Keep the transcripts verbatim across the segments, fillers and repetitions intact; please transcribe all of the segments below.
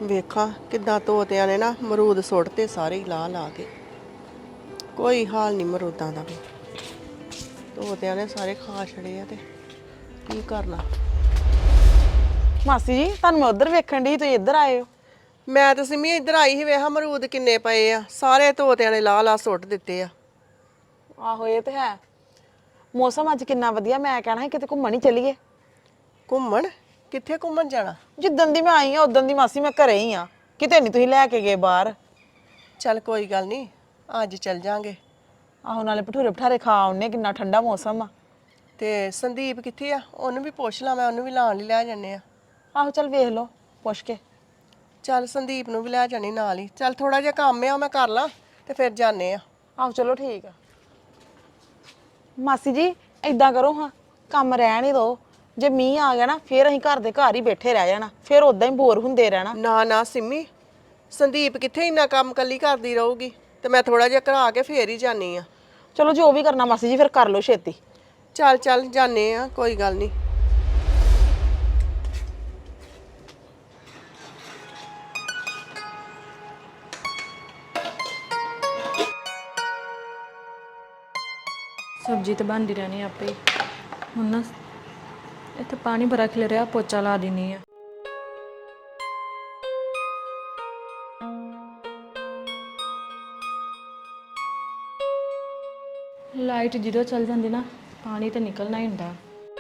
ਵੇਖਾਂ ਕਿੱਦਾਂ ਤੋਤਿਆਂ ਨੇ ਨਾ ਮਰੂਦ ਸੁੱਟਤੇ ਸਾਰੇ ਹੀ ਲਾ ਲਾ ਕੇ। ਕੋਈ ਹਾਲ ਨਹੀਂ ਮਰੂਦਾਂ ਦਾ ਵੀ, ਤੋਤਿਆਂ ਨੇ ਸਾਰੇ ਖਾ ਛੜੇ ਆ ਤੇ ਕੀ ਕਰਨਾ। ਮਾਸੀ ਜੀ ਤੁਹਾਨੂੰ ਮੈਂ ਉਧਰ ਵੇਖਣ ਦੀ ਤੁਸੀਂ ਇੱਧਰ ਆਏ ਹੋ। ਮੈਂ ਤਾਂ ਸਿਮੀ ਇੱਧਰ ਆਈ ਸੀ, ਵੇਖਾਂ ਮਰੂਦ ਕਿੰਨੇ ਪਏ ਆ, ਸਾਰੇ ਤੋਤਿਆਂ ਨੇ ਲਾ ਲਾ ਸੁੱਟ ਦਿੱਤੇ ਆ। ਆਹੋ ਇਹ ਤੇ ਹੈ। ਮੌਸਮ ਅੱਜ ਕਿੰਨਾ ਵਧੀਆ, ਮੈਂ ਕਹਿਣਾ ਸੀ ਕਿਤੇ ਘੁੰਮਣ ਹੀ ਚੱਲੀਏ। ਘੁੰਮਣ? ਕਿੱਥੇ ਘੁੰਮਣ ਜਾਣਾ? ਜਿੱਦਣ ਦੀ ਮੈਂ ਆਈ ਆ ਉਦੋਂ ਦੀ ਮਾਸੀ ਮੈਂ ਘਰੇ ਹੀ ਆ, ਕਿਤੇ ਨਹੀਂ ਤੁਸੀਂ ਲੈ ਕੇ ਗਏ ਬਾਹਰ। ਚੱਲ ਕੋਈ ਗੱਲ ਨਹੀਂ, ਅੱਜ ਚੱਲ ਜਾਾਂਗੇ। ਆਹੋ ਨਾਲੇ ਭਟੂਰੇ ਭਠਾਰੇ ਖਾ ਆਉਨੇ, ਕਿੰਨਾ ਠੰਡਾ ਮੌਸਮ ਆ। ਤੇ ਸੰਦੀਪ ਕਿੱਥੇ ਆ? ਉਹਨੂੰ ਵੀ ਪੁੱਛ ਲਾਂ, ਮੈਂ ਉਹਨੂੰ ਵੀ ਲਾਣ ਲਈ ਲੈ ਜਾਂਦੇ ਆ। ਆਹੋ ਚੱਲ ਵੇਖ ਲਓ ਪੁੱਛ ਕੇ। ਚੱਲ ਸੰਦੀਪ ਨੂੰ ਵੀ ਲੈ ਜਾਣੀ ਨਾਲ ਹੀ। ਚੱਲ ਥੋੜਾ ਜਿਹਾ ਕੰਮ ਆ, ਮੈਂ ਕਰ ਲਾਂ ਤੇ ਫਿਰ ਜਾਂਦੇ ਆ। ਆਹੋ ਚਲੋ ਠੀਕ ਆ। ਮਾਸੀ ਜੀ ਏਦਾਂ ਕਰੋ ਹਾਂ, ਕੰਮ ਰਹਿਣ ਹੀ ਦਿਓ। ਜੇ ਮੀਂਹ ਆ ਗਿਆ ਨਾ ਫਿਰ ਅਸੀਂ ਘਰ ਦੇ ਘਰ ਹੀ ਬੈਠੇ ਰਹਿ ਜਾਣਾ, ਫਿਰ ਉਦਾਂ ਹੀ ਬੋਰ ਹੁੰਦੇ ਰਹਿਣਾ। ਨਾ ਨਾ ਸਿੰਮੀ, ਸੰਦੀਪ ਕਿੱਥੇ ਇੰਨਾ ਕੰਮ ਕੱਲੀ ਕਰਦੀ ਰਹੂਗੀ, ਤੇ ਮੈਂ ਥੋੜਾ ਜਿਹਾ ਕਰਾ ਕੇ ਫੇਰ ਹੀ ਜਾਨੀ ਆ। ਚਲੋ ਜੋ ਵੀ ਕਰਨਾ ਮਾਸੀ ਜੀ ਫਿਰ ਕਰ ਲਓ ਛੇਤੀ। ਚੱਲ ਚੱਲ ਜਾਨੇ ਆ, ਕੋਈ ਗੱਲ ਨਹੀਂ। सब्जी तो बनती रहनी आपे हूँ ना। इतना पानी भरा खिल रहा, पोचा ला देनी है। लाइट जो चल जाती ना, पानी तो निकलना ही होंगे।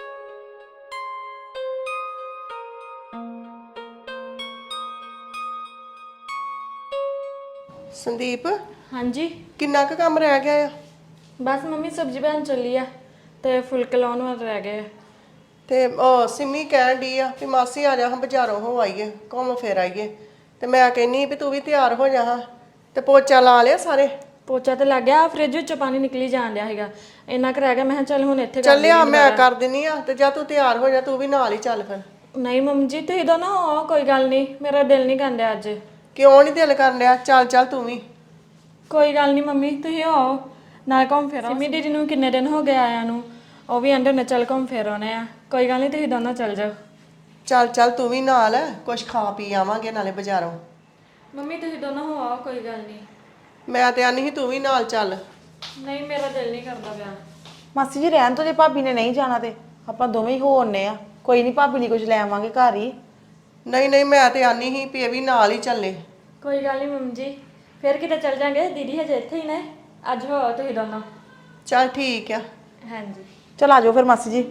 संदीप हाँ जी किन्ना क काम रह गया? बस मम्मी सब्जी बन चली है, तो फुलके लाने वाले रह गए। ਤੇ ਉਹ ਸਿੰਮੀ ਕਹਿਣ ਡਈ ਆ ਵੀ ਮਾਸੀ ਆ ਜਾ, ਹਾਂ ਬਾਜ਼ਾਰੋਂ ਹੋ ਆਈਏ, ਘੁੰਮ ਫਿਰ ਆਈਏ। ਤੇ ਮੈਂ ਕਹਿੰਨੀ ਵੀ ਤੂੰ ਵੀ ਤਿਆਰ ਹੋ ਜਾ ਹਾਂ। ਤੇ ਪੋਚਾ ਲਾ ਲਿਆ ਸਾਰੇ? ਪੋਚਾ ਤੇ ਲੱਗ ਗਿਆ, ਫ੍ਰਿਜ ਵਿੱਚੋਂ ਪਾਣੀ ਨਿਕਲੀ ਜਾਣ ਡਿਆ ਹੈਗਾ, ਇੰਨਾ ਕੁ ਰਹਿ ਗਿਆ। ਮੈਂ ਕਿਹਾ ਚੱਲ ਹੁਣ ਇੱਥੇ ਕਰ ਚੱਲਿਆ ਮੈਂ ਕਰ ਦਿੰਨੀ ਆ, ਤੇ ਜਾ ਤੂੰ ਤਿਆਰ ਹੋ ਜਾ, ਤੂੰ ਵੀ ਨਾਲ ਹੀ ਚੱਲ ਫਿਰ। ਨਹੀਂ ਮੰਮੀ ਜੀ ਤੁਸੀਂ ਦੋਨੋਂ ਹੋ, ਕੋਈ ਗੱਲ ਨਹੀਂ, ਮੇਰਾ ਦਿਲ ਨਹੀਂ ਕਰਦਾ ਅੱਜ। ਕਿਉਂ ਨਹੀਂ ਦਿਲ ਕਰਨ ਡਿਆ? ਚੱਲ ਚੱਲ ਤੂੰ ਵੀ। ਕੋਈ ਗੱਲ ਨਹੀਂ ਮੰਮੀ, ਤੁਸੀਂ ਹੋ ਨਾਲ ਘੁੰਮ ਫਿਰ ਆਓ। ਸਿੰਮੀ ਦੀਦੀ ਨੂੰ ਕਿੰਨੇ ਦਿਨ ਹੋ ਗਏ ਆਇਆਂ ਨੂੰ, ਉਹ ਵੀ ਆਂਦੇ ਨੇ ਚੱਲ ਘੁੰਮ ਫਿਰ ਆਉਣੇ ਆ। ਕੋਈ ਗੱਲ ਨਹੀਂ ਤੁਸੀਂ ਦੋਨੋਂ ਚੱਲ ਜਾਓ। ਚੱਲ ਚੱਲ ਤੂੰ ਵੀ ਨਾਲ, ਕੁਛ ਖਾ ਪੀ ਆਵਾਂਗੇ ਨਾਲੇ ਬਾਜ਼ਾਰੋਂ। ਮੰਮੀ ਤੁਸੀਂ ਦੋਨੋਂ ਹੋ ਆਓ, ਕੋਈ ਗੱਲ ਨਹੀਂ। ਮੈਂ ਤੇ ਆਨੀ ਸੀ ਤੂੰ ਵੀ ਨਾਲ ਚੱਲ। ਨਹੀਂ ਮੇਰਾ ਦਿਲ ਨਹੀਂ ਕਰਦਾ ਪਿਆ। ਮਾਸੀ ਜੀ ਰਹਿਣ ਤੋਂ, ਜੇ ਭਾਬੀ ਨੇ ਨਹੀਂ ਜਾਣਾ ਤੇ ਆਪਾਂ ਦੋਵੇਂ ਹੀ ਹੋ ਆਉਂਦੇ ਆ। ਕੋਈ ਨਹੀਂ ਭਾਬੀ ਲਈ ਕੁਝ ਲੈ ਆਵਾਂਗੇ ਘਰ ਹੀ। ਨਹੀਂ ਨਹੀਂ ਮੈਂ ਤੇ ਆਨੀ ਸੀ ਵੀ ਇਹ ਵੀ ਨਾਲ ਹੀ ਚੱਲੇ। ਕੋਈ ਗੱਲ ਨਹੀਂ ਮੰਮੀ ਜੀ, ਫਿਰ ਕਿਤੇ ਚੱਲ ਜਾਂਗੇ। ਦੀਦੀ ਹਜੇ ਇੱਥੇ ਹੀ ਨੇ, ਅੱਜ ਹੋ ਆਓ ਤੁਸੀਂ ਦੋਨੋਂ। ਚੱਲ ਠੀਕ ਆ। ਹਾਂਜੀ ਚਲ ਆ ਜਾਓ ਫਿਰ ਮਾਸੀ ਜੀ।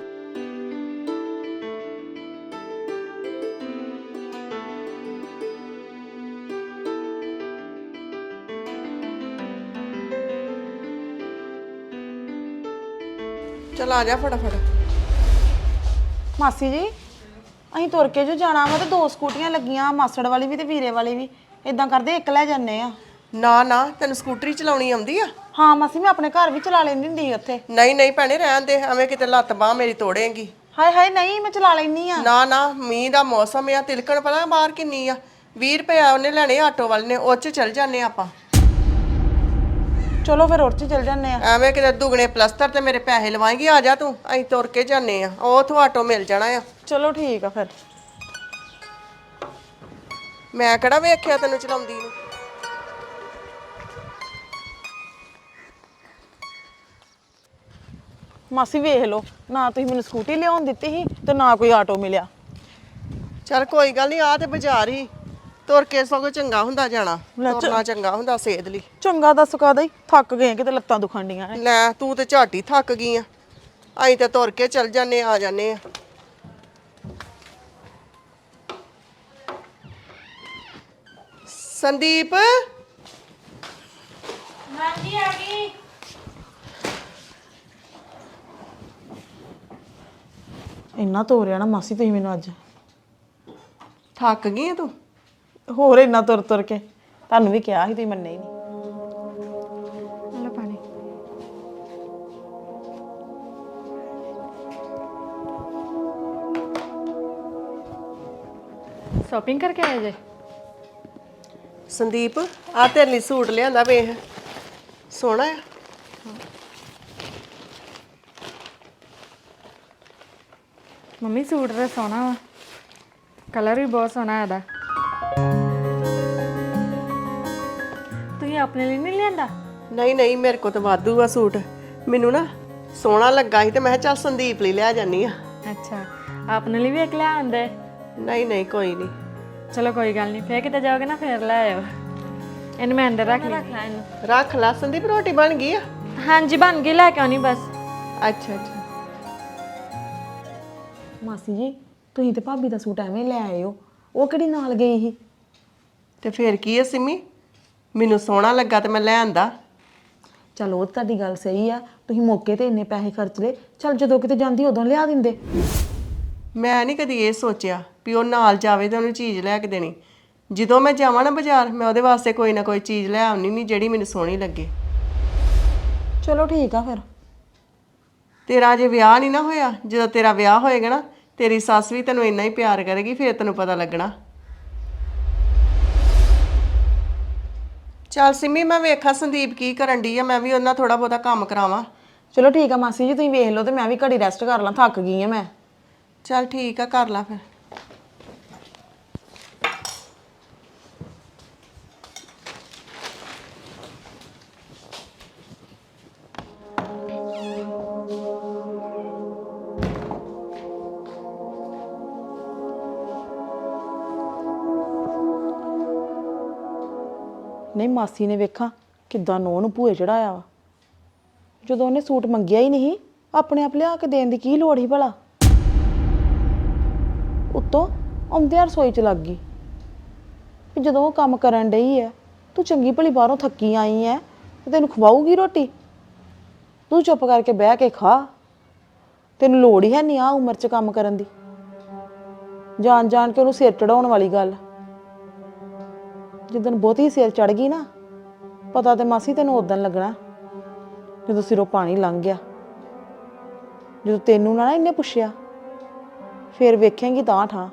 ਚੱਲ ਆ ਜਾ ਫਟਾਫਟ। ਮਾਸੀ ਜੀ ਅਸੀਂ ਤੁਰ ਕੇ ਜੋ ਜਾਣਾ ਵਾ ਤੇ ਦੋ ਸਕੂਟੀਆਂ ਲੱਗੀਆਂ, ਮਾਸੜ ਵਾਲੀ ਵੀ ਤੇ ਵੀਰੇ ਵਾਲੀ ਵੀ। ਇਦਾਂ ਕਰਦੇ ਇੱਕ ਲੈ ਜਾਂਦੇ ਆ। ਨਾ ਨਾ ਤੈਨੂੰ ਸਕੂਟਰੀ ਚਲਾਉਣੀ ਆਉਂਦੀ ਆ? ਹਾਂ ਮਾਸੀ ਮੈਂ ਆਪਣੇ ਘਰ ਵੀ ਚਲਾ ਲੈਂਦੀ ਹੁੰਦੀ ਸੀ ਉੱਥੇ। ਨਹੀਂ ਨਹੀਂ ਭੈਣੇ ਰਹਿਣ ਦੇ, ਐਵੇਂ ਕਿਤੇ ਲੱਤ ਬਾਹ ਮੇਰੀ ਤੋੜੇਂਗੀ। ਹਾਏ ਹਾਏ ਨਹੀਂ ਮੈਂ ਚਲਾ ਲੈਂਦੀ ਆ। ਨਾ ਨਾ ਮੀਂਹ ਦਾ ਮੌਸਮ ਆ, ਤਿਲਕਣ ਪਤਾ ਬਾਹਰ ਕਿੰਨੀ ਆ। ਵੀਹ ਰੁਪਏ ਉਹਨੇ ਲੈਣੇ ਆਟੋ ਵਾਲੇ ਨੇ, ਉਹ 'ਚ ਚੱਲ ਜਾਂਦੇ ਆਪਾਂ। ਚਲੋ ਫਿਰ ਉਹ 'ਚ ਚੱਲ ਜਾਂਦੇ ਆ। ਐਵੇਂ ਕਿਤੇ ਦੁਗਣੇ ਪਲਸਤਰ ਤੇ ਮੇਰੇ ਪੈਸੇ ਲਵਾਏਂਗੀ। ਆ ਜਾ ਤੂੰ, ਅਸੀਂ ਤੁਰ ਕੇ ਜਾਂਦੇ ਆ, ਉਹ ਉੱਥੋਂ ਆਟੋ ਮਿਲ ਜਾਣਾ ਆ। ਚਲੋ ਠੀਕ ਆ ਫਿਰ। ਮੈਂ ਕਿਹੜਾ ਵੇਖਿਆ ਤੈਨੂੰ ਚਲਾਉਂਦੀ ਨੂੰ। ਮਾਸੀ ਵੇਖ ਲਓ, ਨਾ ਤੁਸੀਂ ਮੈਨੂੰ ਸਕੂਟੀ ਲਿਆਉਣ ਦਿੱਤੀ ਸੀ ਤੇ ਨਾ ਕੋਈ ਆਟੋ ਮਿਲਿਆ। ਚੱਲ ਕੋਈ ਗੱਲ ਨਹੀਂ, ਆ ਤੇ ਬਾਜ਼ਾਰ ਹੀ, ਤੁਰ ਕੇ ਸਗੋਂ ਚੰਗਾ ਹੁੰਦਾ ਜਾਣਾ। ਤੁਰਨਾ ਚੰਗਾ ਹੁੰਦਾ ਸਿਹਤ ਲਈ। ਚੰਗਾ ਦੱਸ ਕਾਹਦਾ ਹੀ, ਥੱਕ ਗਏ ਕਿਤੇ ਲੱਤਾਂ ਦੁਖਣ ਡੀਆਂ ਨੇ। ਲੈ ਤੂੰ ਤੇ ਝਾਟੀ ਹੀ ਥੱਕ ਗਈ ਆ, ਅਸੀਂ ਤੇ ਤੁਰ ਕੇ ਚੱਲ ਜਾਂਦੇ ਆ ਜਾਂਦੇ ਆ। ਸੰਦੀਪ ਹਾਂਜੀ ਆ ਗਈ। ਇੰਨਾ ਤੋਰਿਆ ਨਾ ਮਾਸੀ ਤੁਸੀਂ ਮੈਨੂੰ ਅੱਜ। ਥੱਕ ਗਈ ਆ ਤੂੰ? ਹੋਰ ਇੰਨਾ ਤੁਰ ਤੁਰ ਕੇ, ਤੁਹਾਨੂੰ ਵੀ ਕਿਹਾ ਸੀ ਤੁਸੀਂ ਮੰਨੇ ਹੀ ਨਹੀਂ। ਲੈ ਪਾਣੀ। ਸ਼ਾਪਿੰਗ ਕਰਕੇ ਆਏ ਜੇ? ਸੰਦੀਪ ਆ ਤੇਰੇ ਲਈ ਸੂਟ ਲਿਆਂਦਾ, ਵੇਖ ਸੋਹਣਾ ਆ। ਮੰਮੀ ਸੂਟ ਤਾਂ ਸੋਹਣਾ ਵਾ, ਕਲਰ ਵੀ ਬਹੁਤ ਸੋਹਣਾ ਇਹਦਾ। ਆਪਣੇ ਲਈ ਨਹੀਂ ਲਿਆਂਦਾ? ਨਹੀਂ ਨਹੀਂ ਮੇਰੇ ਕੋਲ ਤਾਂ ਵਾਧੂ ਆ ਸੂਟ। ਮੈਨੂੰ ਨਾ ਸੋਹਣਾ ਲੱਗਾ ਸੀ ਤੇ ਮੈਂ ਕਿਹਾ ਚੱਲ ਸੰਦੀਪ ਲਈ ਲੈ ਜਾਨੀ ਆ। ਅੱਛਾ, ਆਪਣੇ ਲਈ ਵੀ ਇੱਕ ਲੈ ਆਂਦੇ? ਨਹੀਂ ਨਹੀਂ ਕੋਈ ਨਹੀਂ। ਚਲੋ ਕੋਈ ਗੱਲ ਨਹੀਂ, ਫੇਰ ਕਿਤੇ ਜਾਓਗੇ ਨਾ ਫੇਰ ਲੈ ਆਇਓ। ਇਹਨੂੰ ਮੈਂ ਅੰਦਰ ਰੱਖ ਰੱਖ ਲੈ ਇਹਨੂੰ। ਰੱਖ ਲਾ ਸੰਦੀਪ, ਰੋਟੀ ਬਣ ਗਈ ਆ? ਹਾਂਜੀ ਬਣ ਗਈ, ਲੈ ਕੇ ਆਉਣੀ ਬਸ। ਅੱਛਾ ਅੱਛਾ। ਮਾਸੀ ਜੀ ਤੁਸੀਂ ਤੇ ਭਾਬੀ ਦਾ ਸੂਟ ਐਵੇਂ ਲੈ ਆਏ ਹੋ, ਉਹ ਕਿਹੜੀ ਨਾਲ ਗਈ ਸੀ? ਤੇ ਫੇਰ ਕੀ ਆ ਸਿੰਮੀ, ਮੈਨੂੰ ਸੋਹਣਾ ਲੱਗਾ ਤੇ ਮੈਂ ਲੈ ਆਂਦਾ। ਚਲ ਉਹ ਤੁਹਾਡੀ ਗੱਲ ਸਹੀ ਆ, ਤੁਸੀਂ ਮੌਕੇ ਤੇ ਇੰਨੇ ਪੈਸੇ ਖਰਚ ਲਏ, ਚਲ ਜਦੋਂ ਕਿਤੇ ਜਾਂਦੀ ਉਦੋਂ ਲਿਆ ਦਿੰਦੇ। ਮੈਂ ਨਹੀਂ ਕਦੀ ਇਹ ਸੋਚਿਆ ਵੀ ਉਹ ਨਾਲ ਜਾਵੇ ਤੇ ਉਹਨੂੰ ਚੀਜ਼ ਲੈ ਕੇ ਦੇਣੀ। ਜਦੋਂ ਮੈਂ ਜਾਵਾਂ ਨਾ ਬਾਜ਼ਾਰ, ਮੈਂ ਉਹਦੇ ਵਾਸਤੇ ਕੋਈ ਨਾ ਕੋਈ ਚੀਜ਼ ਲੈ ਆਉਣੀ ਨਹੀਂ ਜਿਹੜੀ ਮੈਨੂੰ ਸੋਹਣੀ ਲੱਗੇ। ਚਲੋ ਠੀਕ ਆ ਫਿਰ। ਤੇਰਾ ਜੇ ਵਿਆਹ ਨਹੀਂ ਨਾ ਹੋਇਆ, ਜਦੋਂ ਤੇਰਾ ਵਿਆਹ ਹੋਏਗਾ ਨਾ ਤੇਰੀ ਸੱਸ ਵੀ ਤੈਨੂੰ ਇੰਨਾ ਹੀ ਪਿਆਰ ਕਰੇਗੀ, ਫਿਰ ਤੈਨੂੰ ਪਤਾ ਲੱਗਣਾ। ਚੱਲ ਸਿੰਮੀ, ਮੈਂ ਵੇਖਾਂ ਸੰਦੀਪ ਕੀ ਕਰਨ ਡਈ ਆ, ਮੈਂ ਵੀ ਉਹਨਾਂ ਥੋੜਾ ਬਹੁਤਾ ਕੰਮ ਕਰਾਵਾਂ। ਚਲੋ ਠੀਕ ਆ ਮਾਸੀ ਜੀ, ਤੁਸੀਂ ਵੇਖ ਲਓ ਤੇ ਮੈਂ ਵੀ ਘੜੀ ਰੈਸਟ ਕਰ ਲਾਂ, ਥੱਕ ਗਈ ਆ ਮੈਂ। ਚੱਲ ਠੀਕ ਆ, ਕਰ ਲਾ ਫਿਰ। ਨਹੀਂ ਮਾਸੀ ਨੇ ਵੇਖਾਂ ਕਿੱਦਾਂ ਨੂੰਹ ਨੂੰ ਭੂਏ ਚੜਾਇਆ ਵਾ। ਜਦੋਂ ਉਹਨੇ ਸੂਟ ਮੰਗਿਆ ਹੀ ਨਹੀਂ, ਆਪਣੇ ਆਪ ਲਿਆ ਕੇ ਦੇਣ ਦੀ ਕੀ ਲੋੜ ਸੀ ਭਲਾ। ਉੱਤੋਂ ਆਉਂਦਿਆਂ ਰਸੋਈ 'ਚ ਲੱਗ ਗਈ ਵੀ ਜਦੋਂ ਉਹ ਕੰਮ ਕਰਨ ਡਈ ਐ, ਤੂੰ ਚੰਗੀ ਭਲੀ ਬਾਹਰੋਂ ਥੱਕੀ ਆਈ ਐ ਤੇ ਤੈਨੂੰ ਖਵਾਊਗੀ ਰੋਟੀ? ਤੂੰ ਚੁੱਪ ਕਰਕੇ ਬਹਿ ਕੇ ਖਾ, ਤੈਨੂੰ ਲੋੜ ਹੀ ਹੈ ਨਹੀਂ ਆ ਉਮਰ 'ਚ ਕੰਮ ਕਰਨ ਦੀ। ਜਾਣ ਜਾਣ ਕੇ ਉਹਨੂੰ ਸਿਰ ਚੜਾਉਣ ਵਾਲੀ ਗੱਲ। ਜਿੱਦਣ ਬਹੁਤੀ ਸਿਰ ਚੜ ਗਈ ਨਾ, ਪਤਾ ਤੇ ਮਾਸੀ ਤੈਨੂੰ ਉਦੋਂ ਲੱਗਣਾ ਜਦੋਂ ਸਿਰੋਂ ਪਾਣੀ ਲੰਘ ਗਿਆ। ਜਦੋਂ ਤੈਨੂੰ ਨਾ ਇਹਨੇ ਪੁੱਛਿਆ ਫਿਰ ਵੇਖੇਂਗੀ ਤਾਂ ਠਾਂ।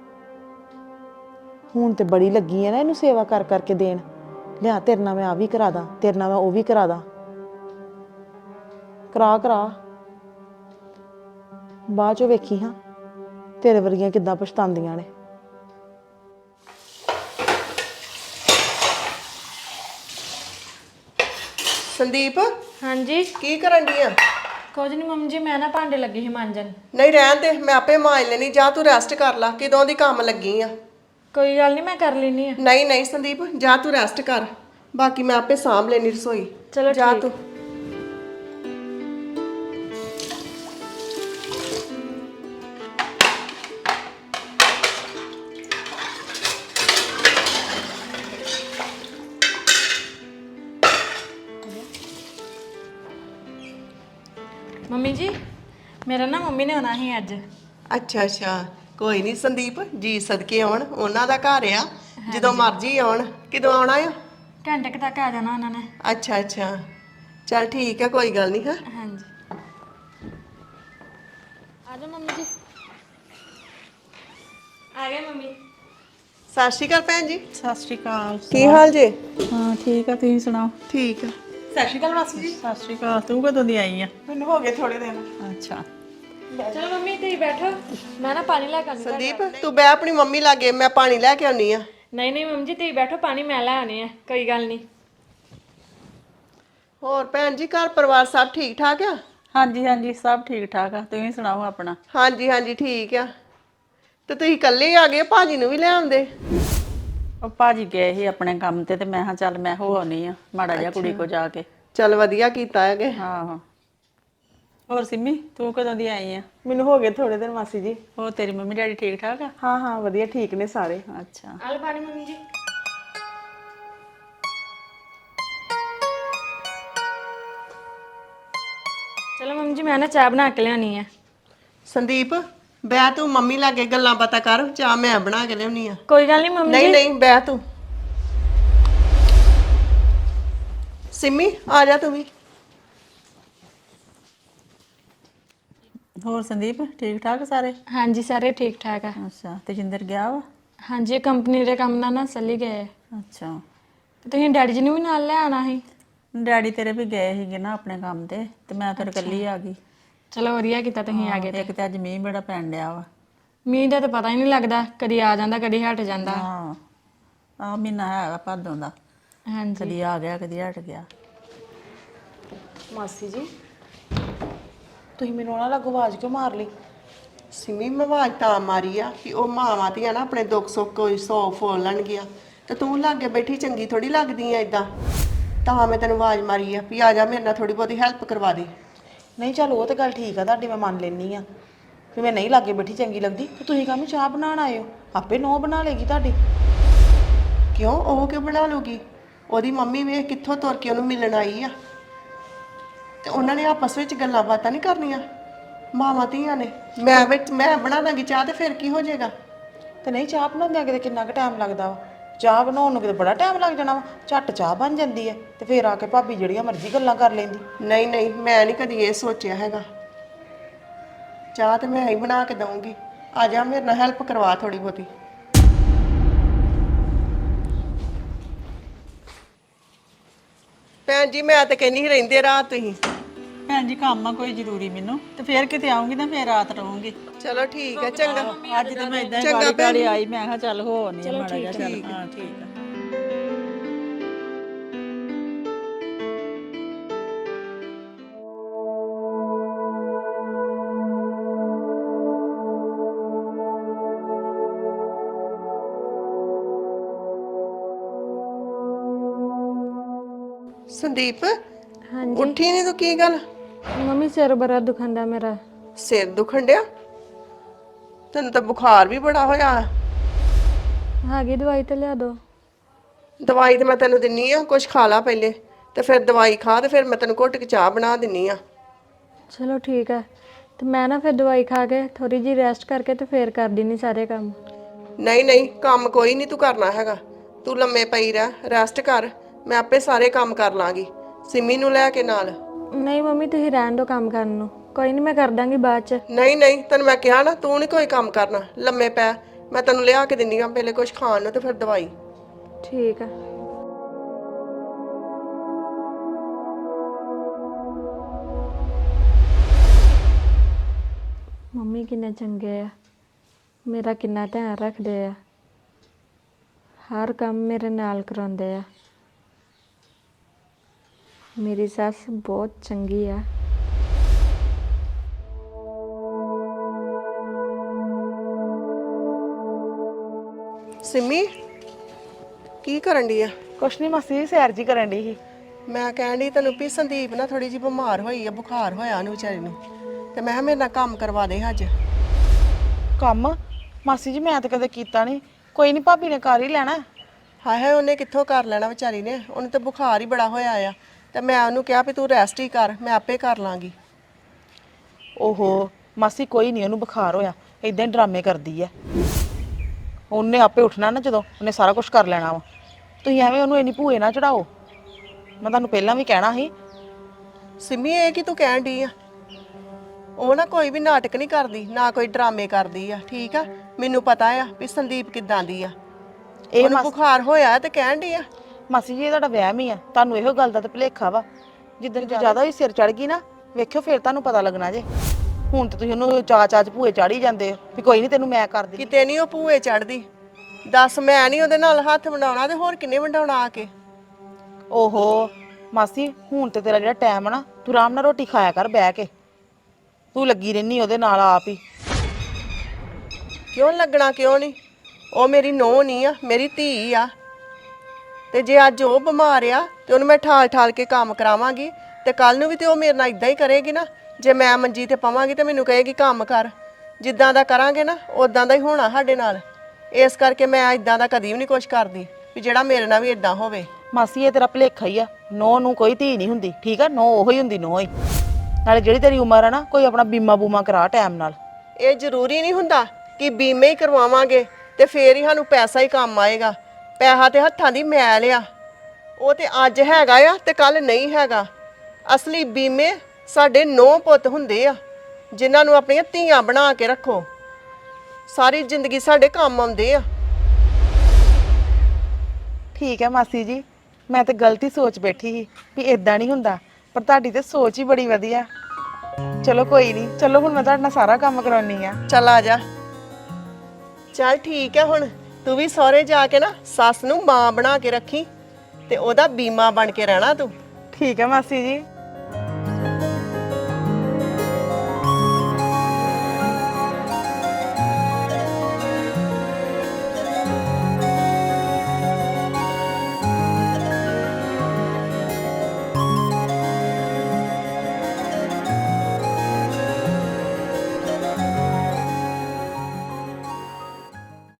ਹੁਣ ਤੇ ਬੜੀ ਲੱਗੀ ਹੈ ਨਾ ਇਹਨੂੰ ਸੇਵਾ ਕਰ ਕਰਕੇ ਦੇਣ। ਲਿਆ ਤੇਰੇ ਨਾਲ ਮੈਂ ਆ ਵੀ ਕਰਾ ਦਾਂ, ਤੇਰੇ ਨਾਲ ਮੈਂ ਉਹ ਵੀ ਕਰਾ ਦਾਂ। ਕਰਾ ਕਰਾ ਬਾਅਦ ਚੋਂ ਵੇਖੀ ਹਾਂ ਤੇਰੇ ਵਰਗੀਆਂ ਕਿੱਦਾਂ ਪਛਤਾਉਂਦੀਆਂ ਨੇ। ਸੰਦੀਪ ਹਾਂਜੀ ਕੀ ਕਰਨ ਡਈ ਆ? ਕੁਝ ਨਹੀਂ ਮੰਮੀ ਜੀ, ਮੈਂ ਨਾ ਭਾਂਡੇ ਲੱਗੀ ਸੀ ਮਾਂਜਣ। ਨਹੀਂ ਰਹਿਣ ਦੇ, ਮੈਂ ਆਪੇ ਮਾਂਜ ਲੈਣੀ। ਜਾ ਤੂੰ ਰੈਸਟ ਕਰ ਲਾ, ਕਿਦੋਂ ਦੀ ਕੰਮ ਲੱਗੀ ਆ। ਕੋਈ ਗੱਲ ਨਹੀਂ, ਮੈਂ ਕਰ ਲੈਣੀ ਆ। ਨਹੀਂ ਨਹੀਂ ਸੰਦੀਪ, ਜਾ ਤੂੰ ਰੈਸਟ ਕਰ, ਬਾਕੀ ਮੈਂ ਆਪੇ ਸਾਂਭ ਲੈਣੀ ਰਸੋਈ। ਚਲੋ ਜਾ ਠੀਕ। ਤੂੰ। ਮੰਮੀ ਜੀ ਮੇਰਾ ਨਾ ਮੰਮੀ ਨੇ ਆਉਣਾ ਸੀ ਅੱਜ। ਅੱਛਾ ਅੱਛਾ, ਕੋਈ ਨਹੀਂ ਸੰਦੀਪ, ਜੀ ਸਦਕੇ ਆਉਣ, ਉਹਨਾਂ ਦਾ ਘਰ ਆ, ਜਦੋਂ ਮਰਜ਼ੀ ਆਉਣ। ਕਿਦੋਂ ਆਉਣਾ ਆ? ਘੰਟੇ ਕੁ ਤੱਕ ਆ ਜਾਣਾ ਉਹਨਾਂ ਨੇ। ਅੱਛਾ ਅੱਛਾ, ਚੱਲ ਠੀਕ ਆ, ਕੋਈ ਗੱਲ ਨਹੀਂ। ਹਾਂ ਹਾਂਜੀ ਆ ਜਾਓ ਮੰਮੀ ਜੀ। ਆ ਗਏ ਮੰਮੀ। ਸਤਿ ਸ਼੍ਰੀ ਅਕਾਲ ਭੈਣ ਜੀ। ਸਤਿ ਸ਼੍ਰੀ ਅਕਾਲ। ਕੀ ਹਾਲ ਜੇ? ਹਾਂ ਠੀਕ ਆ, ਤੁਸੀਂ ਸੁਣਾਓ? ਠੀਕ ਆ। ਸਤਿ ਸ਼੍ਰੀ ਅਕਾਲ ਮਾਸੀ ਜੀ। ਸਤਿ ਸ਼੍ਰੀ ਅਕਾਲ। ਤੂੰ ਕਦੋਂ ਦੀ ਆਈ ਆ? ਮੈਨੂੰ ਹੋ ਗਏ ਥੋੜੇ ਦਿਨ। ਅੱਛਾ ਚਲੋ ਮੰਮੀ ਤੁਸੀਂ ਬੈਠੋ, ਮੈਂ ਨਾ ਪਾਣੀ ਲੈ ਕੇ ਆਉਂਦੀ। ਸੰਦੀਪ ਤੂੰ ਬੈ ਆਪਣੀ ਮੰਮੀ ਲਾਗੇ, ਮੈਂ ਪਾਣੀ ਲੈ ਕੇ ਆਉਣੀ ਆ। ਨਹੀਂ ਨਹੀਂ ਮੰਮੀ ਜੀ ਤੁਸੀਂ ਬੈਠੋ, ਪਾਣੀ ਮੈਂ ਲੈ ਆਉਣੀ ਆ, ਕੋਈ ਗੱਲ ਨਹੀਂ। ਹੋਰ ਭੈਣ ਜੀ, ਘਰ ਪਰਿਵਾਰ ਸਭ ਠੀਕ ਠਾਕ ਆ? ਹਾਂਜੀ ਹਾਂਜੀ ਸਭ ਠੀਕ ਠਾਕ ਆ, ਤੁਸੀਂ ਸੁਣਾਓ ਆਪਣਾ? ਹਾਂਜੀ ਹਾਂਜੀ ਠੀਕ ਆ। ਤੇ ਤੁਸੀਂ ਇਕੱਲੇ ਆ ਗਏ, ਭਾਜੀ ਨੂੰ ਵੀ ਲੈ ਆਉਂਦੇ। ਉਹ ਭਾਜੀ ਗਏ ਸੀ ਆਪਣੇ ਕੰਮ ਤੇ ਤੇ ਮੈਂ ਕਿਹਾ ਚੱਲ ਮੈਂ ਹੋ ਆਉਣੀ ਆ ਮਾੜਾ ਜਿਹਾ ਕੁੜੀ ਕੋ ਜਾ ਕੇ। ਚੱਲ ਵਧੀਆ ਕੀਤਾ ਹੈਗੇ। ਹਾਂ ਹੋਰ ਸਿੰਮੀ ਤੂੰ ਕਦੋਂ ਦੀ ਆਈ ਆ? ਮੈਨੂੰ ਹੋ ਗਏ ਥੋੜੇ ਦਿਨ ਮਾਸੀ ਜੀ। ਹੋਰ ਤੇਰੀ ਮੰਮੀ ਡੈਡੀ ਠੀਕ ਠਾਕ ਆ? ਹਾਂ ਹਾਂ ਵਧੀਆ, ਠੀਕ ਨੇ ਸਾਰੇ। ਅੱਛਾ ਆਲ ਪਾਣੀ ਮੰਮੀ ਜੀ। ਚਲੋ ਮੰਮੀ ਜੀ ਮੈਂ ਨਾ ਚਾਹ ਬਣਾ ਕੇ ਲਿਆਉਣੀ ਆ। ਸੰਦੀਪ ਬੈ ਤੂੰ ਮੰਮੀ ਲਾਗੇ ਗੱਲਾਂ ਬਾਤਾਂ ਕਰ, ਚਾਹ ਮੈਂ ਬਣਾ ਕੇ ਲਿਆਉਣੀ ਆ। ਕੋਈ ਗੱਲ ਨਹੀਂ ਮੰਮੀ ਨਹੀਂ ਜੀ। ਨਹੀਂ ਬੈ ਤੂੰ। ਸਿੰਮੀ ਆ ਜਾ ਤੂੰ ਵੀ। ਹੋਰ ਸੰਦੀਪ ਠੀਕ ਠਾਕ ਸਾਰੇ? ਹਾਂਜੀ ਸਾਰੇ ਠੀਕ ਠਾਕ ਆ। ਅੱਛਾ ਤੇ ਜਿੰਦਰ ਗਿਆ ਵਾ? ਹਾਂਜੀ ਕੰਪਨੀ ਦੇ ਕੰਮ ਨਾਲ ਨਾ ਚੱਲੀ ਗਏ। ਅੱਛਾ ਤੇ ਤੁਸੀਂ ਡੈਡੀ ਜੀ ਨੂੰ ਵੀ ਨਾਲ ਲੈ ਆਣਾ ਸੀ। ਡੈਡੀ ਤੇਰੇ ਵੀ ਗਏ ਸੀਗੇ ਨਾ ਆਪਣੇ ਕੰਮ ਤੇ ਤੇ ਮੈਂ ਫਿਰ ਇਕੱਲੀ ਆ ਗਈ। ਚਲੋ ਵਧੀਆ ਕੀਤਾ ਤੁਸੀਂ ਆ ਗਏ। ਇੱਕ ਤੇ ਅੱਜ ਮੀਂਹ ਬੜਾ ਪੈਣ ਡਿਆ ਵਾ। ਮੀਂਹ ਦਾ ਤਾਂ ਪਤਾ ਹੀ ਨਹੀਂ ਲੱਗਦਾ, ਕਦੀ ਆ ਜਾਂਦਾ ਕਦੀ ਹਟ ਜਾਂਦਾ। ਹਾਂ ਆ ਮਹੀਨਾ ਹੈਗਾ ਭਾਦੋਂ ਦਾ। ਹਾਂਜੀ ਕਦੀ ਆ ਗਿਆ ਕਦੀ ਹਟ ਗਿਆ। ਮਾਸੀ ਜੀ ਤੁਸੀਂ ਮੈਨੂੰ ਉਹਨਾਂ ਲੱਗੋ ਆਵਾਜ਼ ਕਿਉਂ ਮਾਰ ਲਈ? ਸਿਮੀ ਮੈਂ ਆਵਾਜ਼ ਤਾਂ ਮਾਰੀ ਆ ਕਿ ਉਹ ਮਾਵਾਂ ਧੀਆਂ ਨਾ ਆਪਣੇ ਦੁੱਖ ਸੁੱਖ ਕੋਈ ਸੌ ਫੋਲਣਗੀਆਂ ਤੇ ਤੂੰ ਲਾਗੇ ਬੈਠੀ ਚੰਗੀ ਥੋੜੀ ਲੱਗਦੀ ਆ ਇਦਾਂ। ਤਾਂ ਮੈਂ ਤੈਨੂੰ ਆਵਾਜ਼ ਮਾਰੀ ਆ ਵੀ ਆ ਜਾ ਮੇਰੇ ਨਾਲ ਥੋੜੀ ਬਹੁਤੀ ਹੈਲਪ ਕਰਵਾ ਦੇ। ਨਹੀਂ ਚੱਲ ਉਹ ਤੇ ਗੱਲ ਠੀਕ ਆ ਤੁਹਾਡੀ, ਮੈਂ ਮੰਨ ਲੈਣੀ ਆ ਵੀ ਮੈਂ ਨਹੀਂ ਲਾਗੇ ਬੈਠੀ ਚੰਗੀ ਲੱਗਦੀ ਤੇ ਤੁਸੀਂ ਕਾਹਨੂੰ ਚਾਹ ਬਣਾਉਣ ਆਏ ਹੋ? ਆਪੇ ਨੋ ਬਣਾ ਲੇਗੀ ਤੁਹਾਡੀ। ਕਿਉਂ ਉਹ ਕਿਉਂ ਬਣਾ ਲੂਗੀ? ਉਹਦੀ ਮੰਮੀ ਵੇਖ ਕਿੱਥੋਂ ਤੁਰ ਕੇ ਉਹਨੂੰ ਮਿਲਣ ਆਈ ਆ ਤੇ ਉਹਨਾਂ ਨੇ ਆਪਸ ਵਿੱਚ ਗੱਲਾਂ ਬਾਤਾਂ ਨਹੀਂ ਕਰਨੀਆਂ ਮਾਵਾਂ ਧੀਆਂ ਨੇ। ਮੈਂ ਵਿੱਚ ਮੈਂ ਬਣਾ ਦਾਂਗੀ ਚਾਹ ਤੇ ਫਿਰ ਕੀ ਹੋ ਜਾਏਗਾ? ਤੇ ਨਹੀਂ ਚਾਹ ਬਣਾਉਂਦਿਆਂ ਕਿਤੇ ਕਿੰਨਾ ਕੁ ਟਾਈਮ ਲੱਗਦਾ ਵਾ? ਚਾਹ ਬਣਾਉਣ ਨੂੰ ਕਿਤੇ ਬੜਾ ਟਾਈਮ ਲੱਗ ਜਾਣਾ ਵਾ। ਝੱਟ ਚਾਹ ਬਣ ਜਾਂਦੀ ਹੈ ਤੇ ਫਿਰ ਆ ਕੇ ਭਾਬੀ ਜਿਹੜੀਆਂ ਮਰਜ਼ੀ ਗੱਲਾਂ ਕਰ ਲੈਂਦੀ। ਨਹੀਂ ਨਹੀਂ ਮੈਂ ਨਹੀਂ ਕਦੀ ਇਹ ਸੋਚਿਆ ਹੈਗਾ। ਚਾਹ ਤੇ ਮੈਂ ਹੀ ਬਣਾ ਕੇ ਦਊਂਗੀ। ਆ ਜਾ ਮੇਰੇ ਨਾਲ ਹੈਲਪ ਕਰਵਾ ਥੋੜੀ ਬਹੁਤੀ। ਭੈਣ ਜੀ ਮੈਂ ਤਾਂ ਕਹਿੰਦੀ ਰਹਿੰਦੇ ਰਾਤ ਤੁਸੀਂ। ਭੈਣ ਜੀ ਕੰਮ ਆ ਕੋਈ ਜ਼ਰੂਰੀ ਮੈਨੂੰ ਤੇ ਫੇਰ ਕਿਤੇ ਆਉਂਗੀ ਨਾ ਫੇਰ ਰਾਤ ਰਹੂੰਗੀ। ਚਲੋ ਠੀਕ ਹੈ ਚੰਗਾ। ਅੱਜ ਤੇ ਮੈਂ ਇਦਾਂ ਹੀ ਗਾੜੀ ਗਾੜੀ ਆਈ, ਮੈਂ ਕਿਹਾ ਚੱਲ ਹੋ ਨਹੀਂ ਮਾੜਾ ਜਿਹਾ ਚੱਲ। ਹਾਂ ਠੀਕ ਆ। ਸੰਦੀਪ ਹਾਂਜੀ ਉੱਠੀ ਨਹੀਂ ਤੂੰ? ਕੀ ਗੱਲ? ਮੰਮੀ ਸਿਰ ਬੜਾ ਦੁਖੰਦਾ ਮੇਰਾ। ਸਿਰ ਦੁਖਣ ਡਿਆ? ਤੈਨੂੰ ਤਾਂ ਬੁਖਾਰ ਵੀ ਬੜਾ ਹੋਇਆ। ਹੈਗੀ ਦਵਾਈ ਤੇ ਲਿਆ ਦੋ। ਦਵਾਈ ਤੇ ਮੈਂ ਤੈਨੂੰ ਦਿੰਨੀ ਆ, ਕੁਝ ਖਾ ਲਾ ਪਹਿਲੇ ਤੇ ਫਿਰ ਦਵਾਈ ਖਾ ਤੇ ਫਿਰ ਮੈਂ ਤੈਨੂੰ ਘੁੱਟ ਕੇ ਚਾਹ ਬਣਾ ਦਿੰਨੀ ਆ। ਚਲੋ ਠੀਕ ਹੈ, ਤੇ ਮੈਂ ਨਾ ਫਿਰ ਦਵਾਈ ਖਾ ਕੇ ਥੋੜੀ ਜੀ ਰੈਸਟ ਕਰਕੇ ਤੇ ਫੇਰ ਕਰ ਦਿੰਨੀ ਸਾਰੇ ਕੰਮ। ਨਹੀਂ ਨਹੀਂ ਕੰਮ ਕੋਈ ਨਹੀਂ ਤੂੰ ਕਰਨਾ ਹੈਗਾ। ਤੂੰ ਲੰਮੇ ਪਈ ਰਹਿ, ਰੈਸਟ ਕਰ, ਮੈਂ ਆਪੇ ਸਾਰੇ ਕੰਮ ਕਰ ਲਾਂਗੀ ਸਿੰਮੀ ਨੂੰ ਲੈ ਕੇ ਨਾਲ। ਨਹੀਂ ਮੰਮੀ ਤੁਸੀਂ ਰਹਿਣ ਦਿਓ ਕੰਮ ਕਰਨ ਨੂੰ, ਕੋਈ ਨਹੀਂ ਮੈਂ ਕਰ ਦਾਂਗੀ ਬਾਅਦ ਚ। ਨਹੀਂ ਨਹੀਂ ਤੈਨੂੰ ਮੈਂ ਕਿਹਾ ਨਾ ਤੂੰ ਨਹੀਂ ਕੋਈ ਕੰਮ ਕਰਨਾ, ਲੰਮੇ ਪੈ, ਮੈਂ ਤੈਨੂੰ ਲਿਆ ਕੇ ਦਿੰਨੀ ਆ ਪਹਿਲੇ ਕੁਝ ਖਾਣ ਨੂੰ ਤੇ ਫਿਰ ਦਵਾਈ। ਠੀਕ ਹੈ। ਮੰਮੀ ਕਿੰਨੇ ਚੰਗੇ ਆ, ਮੇਰਾ ਕਿੰਨਾ ਧਿਆਨ ਰੱਖਦੇ ਆ, ਹਰ ਕੰਮ ਮੇਰੇ ਨਾਲ ਕਰਾਉਂਦੇ ਆ। ਮੇਰੀ ਸੱਸ ਬਹੁਤ ਚੰਗੀ ਆ। ਸਿੰਮੀ ਕੀ ਕਰਨ ਡਈ ਆ? ਕੁਛ ਨਹੀਂ ਮਾਸੀ ਜੀ, ਸੈਰ ਜੀ ਕਰਨ ਡਈ ਸੀ। ਮੈਂ ਕਹਿਣ ਡਈ ਤੈਨੂੰ ਵੀ ਸੰਦੀਪ ਨਾ ਥੋੜੀ ਜਿਹੀ ਬਿਮਾਰ ਹੋਈ ਆ, ਬੁਖਾਰ ਹੋਇਆ ਉਹਨੂੰ ਵਿਚਾਰੀ ਨੂੰ, ਤੇ ਮੈਂ ਕਿਹਾ ਮੇਰੇ ਨਾਲ ਕੰਮ ਕਰਵਾ ਦੇ ਅੱਜ। ਕੰਮ ਮਾਸੀ ਜੀ ਮੈਂ ਤਾਂ ਕਦੇ ਕੀਤਾ ਨਹੀਂ, ਕੋਈ ਨਹੀਂ ਭਾਬੀ ਨੇ ਕਰ ਹੀ ਲੈਣਾ। ਹਾਏ ਹਾਏ ਉਹਨੇ ਕਿੱਥੋਂ ਕਰ ਲੈਣਾ ਵਿਚਾਰੀ ਨੇ, ਉਹਨੂੰ ਤੇ ਬੁਖਾਰ ਹੀ ਬੜਾ ਹੋਇਆ ਆ ਤੇ ਮੈਂ ਉਹਨੂੰ ਕਿਹਾ ਵੀ ਤੂੰ ਰੈਸਟ ਹੀ ਕਰ, ਮੈਂ ਆਪੇ ਕਰ ਲਾਂਗੀ। ਓਹੋ ਮਾਸੀ ਕੋਈ ਨਹੀਂ ਉਹਨੂੰ ਬੁਖਾਰ ਹੋਇਆ, ਇਦਾਂ ਹੀ ਡਰਾਮੇ ਕਰਦੀ ਐ। ਉਹਨੇ ਆਪੇ ਉੱਠਣਾ ਨਾ ਜਦੋਂ, ਉਹਨੇ ਸਾਰਾ ਕੁਝ ਕਰ ਲੈਣਾ ਵਾ। ਤੁਸੀਂ ਐਵੇਂ ਉਹਨੂੰ ਇੰਨੀ ਭੂਏ ਨਾ ਚੜਾਓ, ਮੈਂ ਤੁਹਾਨੂੰ ਪਹਿਲਾਂ ਵੀ ਕਹਿਣਾ ਸੀ। ਸਿੰਮੀ ਇਹ ਕੀ ਤੂੰ ਕਹਿਣ ਡਈ ਆ? ਉਹ ਨਾ ਕੋਈ ਵੀ ਨਾਟਕ ਨਹੀਂ ਕਰਦੀ, ਨਾ ਕੋਈ ਡਰਾਮੇ ਕਰਦੀ ਆ, ਠੀਕ ਆ? ਮੈਨੂੰ ਪਤਾ ਆ ਵੀ ਸੰਦੀਪ ਕਿੱਦਾਂ ਦੀ ਆ। ਇਹ ਉਹਨੂੰ ਬੁਖਾਰ ਹੋਇਆ ਤੇ ਕਹਿਣ ਡਈ ਆ। ਮਾਸੀ ਜੀ ਇਹ ਤੁਹਾਡਾ ਵਹਿਮ ਹੀ ਆ, ਤੁਹਾਨੂੰ ਇਹੋ ਗੱਲ ਦਾ ਤਾਂ ਭੁਲੇਖਾ ਵਾ। ਜਿੱਦਣ ਜ਼ਿਆਦਾ ਹੀ ਸਿਰ ਚੜ ਗਈ ਨਾ, ਵੇਖਿਓ ਫਿਰ ਤੁਹਾਨੂੰ ਪਤਾ ਲੱਗਣਾ ਜੇ। ਹੁਣ ਤਾਂ ਤੁਸੀਂ ਉਹਨੂੰ ਚਾ ਚਾਚ ਭੂਏ ਚਾੜੀ ਜਾਂਦੇ ਹੋ ਵੀ ਕੋਈ ਨਹੀਂ ਤੈਨੂੰ ਮੈਂ ਕਰ ਦਿੰਦੀ। ਕਿਤੇ ਨਹੀਂ ਉਹ ਭੂਏ ਚੜਦੀ। ਦੱਸ ਮੈਂ ਨਹੀਂ ਉਹਦੇ ਨਾਲ ਹੱਥ ਵੰਡਾਉਣਾ ਤੇ ਹੋਰ ਕਿੰਨੇ ਵੰਡਾਉਣਾ ਆ ਕੇ? ਓਹੋ ਮਾਸੀ ਹੁਣ ਤੇ ਤੇਰਾ ਜਿਹੜਾ ਟਾਈਮ ਆ ਨਾ, ਤੂੰ ਆਰਾਮ ਨਾਲ ਰੋਟੀ ਖਾਇਆ ਕਰ ਬਹਿ ਕੇ। ਤੂੰ ਲੱਗੀ ਰਹਿਨੀ ਉਹਦੇ ਨਾਲ ਆਪ ਹੀ। ਕਿਉਂ ਲੱਗਣਾ ਕਿਉਂ ਨਹੀਂ? ਉਹ ਮੇਰੀ ਨੂੰਹ ਨਹੀਂ ਆ, ਮੇਰੀ ਧੀ ਆ। ਤੇ ਜੇ ਅੱਜ ਉਹ ਬਿਮਾਰ ਆ ਤੇ ਉਹਨੂੰ ਮੈਂ ਠਾਲ ਠਾਲ ਕੇ ਕੰਮ ਕਰਾਵਾਂਗੀ ਤੇ ਕੱਲ ਨੂੰ ਵੀ ਤੇ ਉਹ ਮੇਰੇ ਨਾਲ ਇਦਾਂ ਹੀ ਕਰੇਗੀ ਨਾ। ਜੇ ਮੈਂ ਮੰਜੀ ਤੇ ਪਵਾਂਗੀ ਤੇ ਮੈਨੂੰ ਕਹੇਗੀ ਕੰਮ ਕਰ। ਜਿੱਦਾਂ ਦਾ ਕਰਾਂਗੇ ਨਾ ਉਦਾਂ ਦਾ ਹੀ ਹੋਣਾ ਸਾਡੇ ਨਾਲ। ਇਸ ਕਰਕੇ ਮੈਂ ਇਦਾਂ ਦਾ ਕਦੀ ਵੀ ਨਹੀਂ ਕੁਛ ਕਰਦੀ ਵੀ ਜਿਹੜਾ ਮੇਰੇ ਨਾਲ ਵੀ ਇਦਾਂ ਹੋਵੇ। ਮਾਸੀ ਇਹ ਤੇਰਾ ਭੁਲੇਖਾ ਹੀ ਆ, ਨੋ ਨੂੰ ਕੋਈ ਧੀ ਨਹੀਂ ਹੁੰਦੀ, ਠੀਕ ਆ? ਨੋ ਉਹੀ ਹੁੰਦੀ ਨੋ ਹੀ। ਨਾਲੇ ਜਿਹੜੀ ਤੇਰੀ ਉਮਰ ਆ ਨਾ, ਕੋਈ ਆਪਣਾ ਬੀਮਾ ਬੂਮਾ ਕਰਾ ਟਾਈਮ ਨਾਲ। ਇਹ ਜ਼ਰੂਰੀ ਨਹੀਂ ਹੁੰਦਾ ਕਿ ਬੀਮੇ ਹੀ ਕਰਵਾਵਾਂਗੇ ਤੇ ਫੇਰ ਹੀ ਸਾਨੂੰ ਪੈਸਾ ਹੀ ਕੰਮ ਆਏਗਾ। ਪੈਸਾ ਤੇ ਹੱਥਾਂ ਦੀ ਮੈਲ ਆ, ਉਹ ਤੇ ਅੱਜ ਹੈਗਾ ਆ ਤੇ ਕੱਲ ਨਹੀਂ ਹੈਗਾ। ਅਸਲੀ ਬੀਮੇ ਸਾਡੇ ਨੌ ਪੁੱਤ ਹੁੰਦੇ ਆ ਜਿਨ੍ਹਾਂ ਨੂੰ ਆਪਣੀਆਂ ਧੀਆਂ ਬਣਾ ਕੇ ਰੱਖੋ, ਸਾਰੀ ਜ਼ਿੰਦਗੀ ਸਾਡੇ ਕੰਮ ਆਉਂਦੇ ਆ। ਠੀਕ ਹੈ ਮਾਸੀ ਜੀ, ਮੈਂ ਤੇ ਗਲਤੀ ਸੋਚ ਬੈਠੀ ਸੀ ਵੀ ਇਦਾਂ ਨਹੀਂ ਹੁੰਦਾ, ਪਰ ਤੁਹਾਡੀ ਤੇ ਸੋਚ ਹੀ ਬੜੀ ਵਧੀਆ। ਚਲੋ ਕੋਈ ਨਹੀਂ, ਚਲੋ ਹੁਣ ਮੈਂ ਤੁਹਾਡੇ ਨਾਲ ਸਾਰਾ ਕੰਮ ਕਰਾਉਣੀ ਆ। ਚੱਲ ਆ ਜਾ। ਚੱਲ ਠੀਕ ਹੈ, ਹੁਣ ਤੂੰ ਵੀ ਸਹੁਰੇ ਜਾ ਕੇ ਨਾ ਸੱਸ ਨੂੰ ਮਾਂ ਬਣਾ ਕੇ ਰੱਖੀ ਤੇ ਉਹਦਾ ਬੀਮਾ ਬਣ ਕੇ ਰਹਿਣਾ ਤੂੰ। ਠੀਕ ਹੈ ਮਾਸੀ ਜੀ।